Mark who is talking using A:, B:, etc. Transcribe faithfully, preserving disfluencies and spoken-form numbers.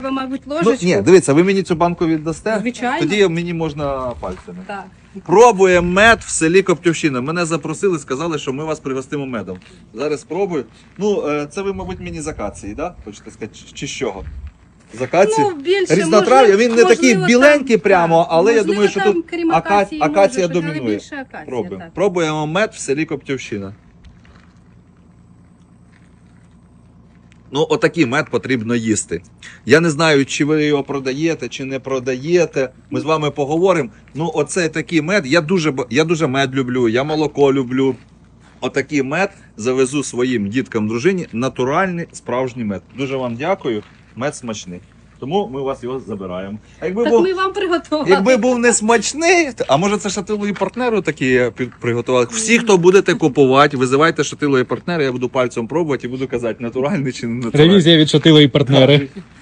A: Ви, мабуть,
B: Ну,
A: ложечку.
B: ні, дивіться, ви мені цю банку віддасте,
A: Звичайно.
B: тоді мені можна пальцями.
A: Так.
B: Пробуємо мед в селі Коптівщина. Мене запросили, сказали, що ми вас пригостимо медом. Зараз спробую. Ну, е, це ви, мабуть, мені з акації, да? Хочете сказати, чи- чи з чого? З акації?
A: Ну, більше,
B: Різнотрав'я, він не
A: можливо,
B: такий
A: там-
B: біленький
A: так,
B: прямо,
A: так.
B: але я
A: Можливо,
B: думаю, що
A: там,
B: тут
A: крім
B: ака...
A: акації,
B: акація
A: може, щось, але
B: домінує.
A: більше акація,
B: Пробуємо.
A: так.
B: Пробуємо мед в селі Коптівщина. Ну, отакий мед потрібно їсти. Я не знаю, чи ви його продаєте, чи не продаєте. Ми з вами поговоримо. Ну, оцей такий мед, я дуже, ба- я дуже мед люблю, я молоко люблю. Отакий мед завезу своїм діткам, дружині. Натуральний, справжній мед. Дуже вам дякую. Мед смачний. Тому ми у вас його забираємо. А якби
A: Так
B: був,
A: ми вам приготували.
B: якби був не смачний, а може це шатилові партнери такі під- приготували. Всі, хто будете купувати, визивайте шатилові партнери, я буду пальцем пробувати і буду казати, натуральний чи не натуральний.
C: Ревізія від Шатило і партнери.